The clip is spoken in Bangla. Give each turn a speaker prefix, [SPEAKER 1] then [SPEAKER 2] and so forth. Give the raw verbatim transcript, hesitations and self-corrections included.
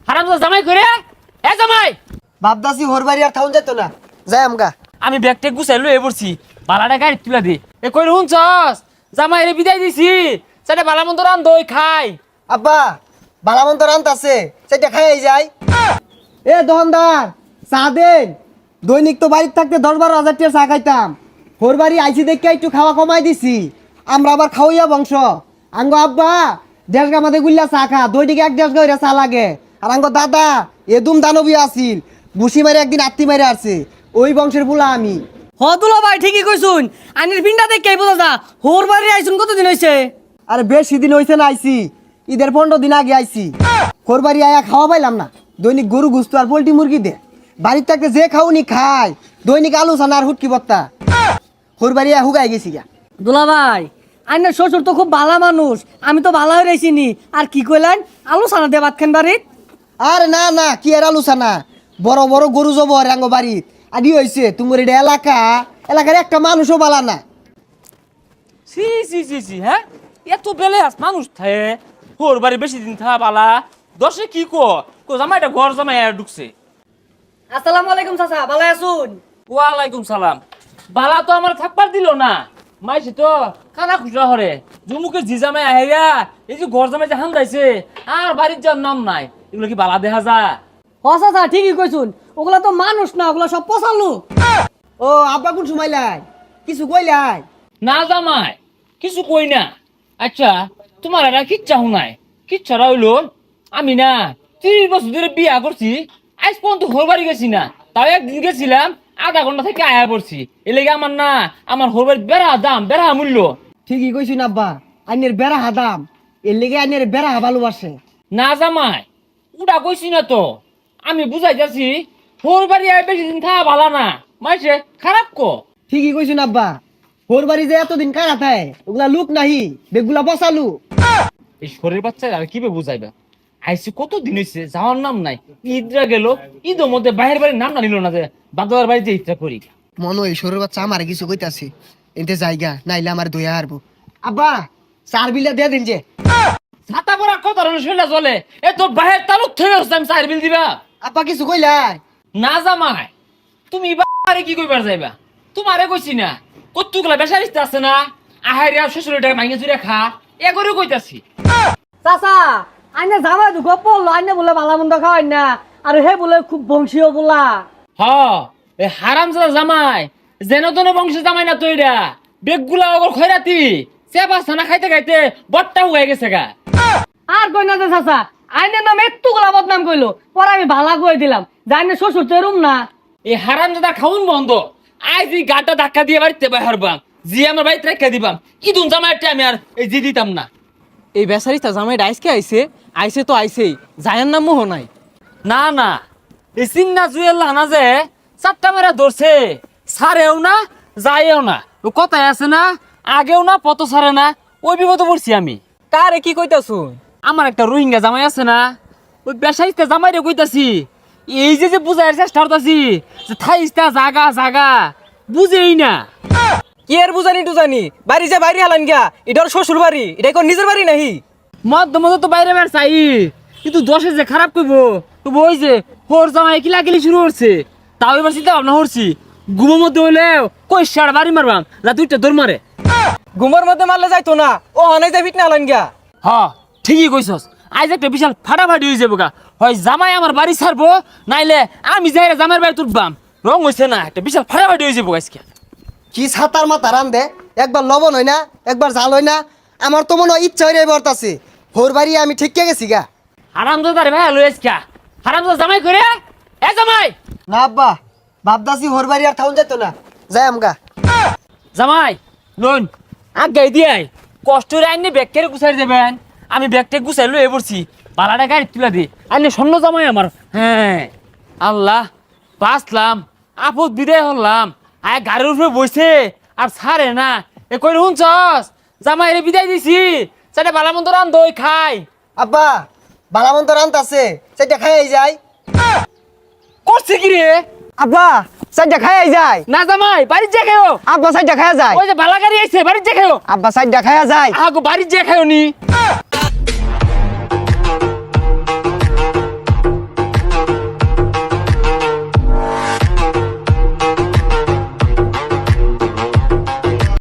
[SPEAKER 1] হারামজাদা জামাই করে এ জামাই
[SPEAKER 2] বাপদাসি হোর বাড়ি আর থাউন যেত না যাই আমগা।
[SPEAKER 1] আমি ব্যাগটা গুছাই লয়ে পড়ছি বালাটা গাড়ি তুলা দে এ কই হুনছস জামাই রে বিদায় দিছি সেটা বালা মন্দ রান দই খাই
[SPEAKER 2] আব্বা বালামন্ত রান্ত আছে সেটা খাই যাই। এ দোকানদার চা দেন। দৈনিক তো বাড়িতে থাকতে দশ বারো হাজার টাকা চা খাইতাম। হোর বাড়ি আইসি দেখে একটু খাওয়া কমাই দিছি। আমরা আবার খাওয়াইয়া বংশ। আঙ্গ আব্বা দেড় গা মাঝে গুল্লা চা খা দৈনিক এক দেড় গা চা লাগে। আর আঙ্গ দাদা এদুম দানবী আসিল বুসি মারে একদিন আত্মি মারে আসছে ওই বংশের বুলা আমি।
[SPEAKER 3] হ দুলা ভাই ঠিকই কইছুন আনির পিন্ডা দেখে বোঝা যা হোর বাড়ি আইছুন কতদিন হইছে?
[SPEAKER 2] আরে বেশি দিন হয়েছে না আইসি ঈদের পনেরো দিন আগে আইসি। হোর বাড়ি আয়া খাওয়া পাইলাম না। দৈনিক গরু গুস্ত আর পোল্ট্রি মুরগি দে বাড়ির থাকতে যে খাওনি খায়। দৈনিক আলু সানা আর হুটকি বত্তা হোর বাড়ি আয়া হুগাই গেছি গা।
[SPEAKER 3] দুলা ভাই আইনের শ্বশুর তো খুব ভালো মানুষ আমি তো ভালো হয়ে রয়েছিনি আর কি কইলেন আলু সানা দিয়ে ভাত খান বাড়িত?
[SPEAKER 2] আর না না কি আর আলু সানা বড় বড় গরু জব রাঙ্গ বাড়িত আদি হয়েছে তোমার এটা এলাকা এলাকার একটা মানুষও বালা না।
[SPEAKER 1] সি সি সি সি হ্যাঁ এত বেলে আস মানুষ থাকে হোর বাড়ি বেশি দিন থা বালা দশে কি কো কো জামাইটা ঘর জামাই আর ঢুকছে।
[SPEAKER 3] আসসালামু আলাইকুম চাচা ভালো আছুন?
[SPEAKER 1] ওয়ালাইকুম সালাম বালা তো আমার থাকবার দিল না মাইছে তো খানা খুচরা হরে জুমুকে জি জামাই আহেরা এই যে ঘর জামাই যে হান যাইছে আর বাড়ির যার নাম নাই এগুলো কি বালা দেখা যা?
[SPEAKER 3] হ চাচা ঠিকই কইছুন ওগুলা তো মানুষ না ওগুলা সব পচালু।
[SPEAKER 2] ও আব্বা কোন সময় লাই কিছু কইলাই?
[SPEAKER 1] না জামাই কিছু কই না। আচ্ছা তোমার এরা কিচ্ছা শুনাই কিচ্ছারা হইলো আমি না ত্রিশ বছর ধরে বিয়া করছি আজ পর্যন্ত হোর বাড়ি গেছি না। তাও একদিন গেছিলাম আধা ঘন্টা থেকে আয়া পড়ছি এ লেগে আমার না আমার হোর বাড়ির বেড়া দাম বেড়া মূল্য।
[SPEAKER 2] ঠিকই কইছুন আব্বা আইনের বেড়া হাদাম এর লেগে আইনের বেড়া ভালোবাসে।
[SPEAKER 1] না জামাই উড়া কইছি না তো আমি বুঝাই যাচ্ছি হোর বাড়ি আয় বেশি দিন থাকা ভালো না মাইছে খারাপ কো।
[SPEAKER 2] ঠিকই কইছুন আব্বা হোর বাড়ি যে এতদিন কারা থায় ওগুলা লুক নাহি বেগুলা বসালু।
[SPEAKER 1] এই শরীর বাচ্চা আর কি বুঝাইবা আইসি কত দিন হয়েছে যাওয়ার নাম নাই ঈদরা গেল ঈদের মধ্যে বাইরের বাড়ির নাম না নিল না যে বাদবার বাড়ি যে ইচ্ছা করি
[SPEAKER 2] মনে হয় সরুর বাচ্চা আমার কিছু কইতাছে এতে জায়গা নাইলে আমার দয়া হারবো। আব্বা চার বিলা দিয়ে দিন যে
[SPEAKER 1] ছাতা পরা কত ধরনের শৈলা চলে এ তোর বাহের তালুক থেকে হচ্ছে আমি চার বিল দিবা।
[SPEAKER 2] আব্বা কিছু কইলাই?
[SPEAKER 1] না জামাই তুমি বাড়ি কি কইবার যাইবা তোমারে কইছি না কতগুলা বেসারিস্তে আছে না আহারে আর শ্বশুরের টাকা মাইনে চুরে খা এ করে কইতাছি।
[SPEAKER 3] চাচা আইনে জামাই দুঃখ পড়লো আইনে বলে ভালো মন্দ খাওয়াই না আর হে বলে খুব বংশীয় বলা।
[SPEAKER 1] হ এ হারামজাদা জামাই যেন তেন বংশের জামাই না তৈরা বেগগুলা ওগর খয়রাতি চেপা ছানা খাইতে খাইতে বট্টা হয়ে গেছে গা।
[SPEAKER 3] আর কই না যে চাচা আইনের নাম একটু গোলা বদনাম কইলো পরে আমি ভালা কই দিলাম জানি শ্বশুর তো এরম না।
[SPEAKER 1] এই হারামজাদা খাউন বন্ধ আজ এই গাটা ধাক্কা দিয়ে বাড়িতে বাহার বাম জি আমার বাড়িতে রেখে দিবাম ইদুন জামাইটা আমি আর এই জি দিতাম না।
[SPEAKER 4] এই বেচারিটা জামাইটা আইসকে আইছে আইছে তো আইছেই জায়ার নাম মোহ নাই।
[SPEAKER 1] না না এই চিন্না জুয়েল না যে চারটা মেরা ধরছে সারেও না যায়ও না ও কথায় আছে না আগেও না পত সারে না ওই বিপদে পড়ছি আমি।
[SPEAKER 4] কারে কি কইতাছুন?
[SPEAKER 1] আমার একটা রোহিঙ্গা জামাই আছে না ওই বেসাইতে জামাই রে কইতাছি এই যে যে বুঝাইয়ের চেষ্টা করতাছি যে থাইস্তা জাগা জাগা বুঝেই না।
[SPEAKER 4] কি আর বুঝানি টুজানি বাড়ি যে বাইরে হালান গিয়া এটা ওর শ্বশুর বাড়ি এটা কোন নিজের বাড়ি নাহি?
[SPEAKER 1] মধ্য মধ্য তো বাইরে বের চাই কিন্তু দশে যে খারাপ করবো তো ওই যে হোর জামাই কিলা কিলি শুরু করছে তাও এবার চিন্তা ভাবনা করছি ঘুমের মধ্যে হইলেও কই সার বাড়ি মারবাম যা দুইটা দৌড় মারে।
[SPEAKER 4] ঘুমের মধ্যে মারলে যাইতো না ও হানাই যাই ফিটনা হালান গিয়া।
[SPEAKER 1] হ ঠিকই কইছস আজ একটা বিশাল ফাটাফাটি হয়ে যাবো গা হয় জামাই আমার বাড়ি ছাড়বো নাইলে আমি যাই জামাইয়ের বাড়ি তুলবাম রং হয়েছে না একটা বিশাল ফাটাফাটি হয়ে যাবো আজকে।
[SPEAKER 2] কি ছাতার মাথা রান দে একবার লবণ হয় না একবার জাল হয় না আমার তো মনে হয় ইচ্ছা হয়ে বর্তাছে হোর বাড়ি আমি ঠিক গেছি গা।
[SPEAKER 1] হারামজাদা রে ভাই লই আজকে হারামজাদা জামাই করে এ জামাই
[SPEAKER 2] না আব্বা বাপদাসি হোর বাড়ি আর থাউন যেত না যাই আমগা।
[SPEAKER 1] জামাই লোন আগাই দিয়াই কষ্ট রে আইনে ব্যাগ কেড়ে গুছাই দেবেন আমি ব্যাগটা গুছাই লয়ে পড়ছি বালাটা গাড়ি তুলা দি আইনে স্বর্ণ জামাই আমার। হ্যাঁ আল্লাহ বাঁচলাম আপদ বিদায় হলাম আয় গাড়ির উপরে বসে আর ছাড়ে না এ কই শুনছস জামাই রে বিদায় দিছি সেটা বালা মন্দ রান দই খাই।
[SPEAKER 2] আব্বা বালামন্ত রান্ত আছে সেটা খাই যায়
[SPEAKER 1] করছে কি রে?
[SPEAKER 2] আব্বা সাইডটা খাই যায়
[SPEAKER 1] না জামাই বাড়ির যে খেও
[SPEAKER 2] আব্বা সাইডটা খাই যায়
[SPEAKER 1] ওই যে বালা গাড়ি আইছে বাড়ির যে খেও
[SPEAKER 2] আব্বা সাইডটা খাই যায়
[SPEAKER 1] আগো বাড়ির যে খেও নি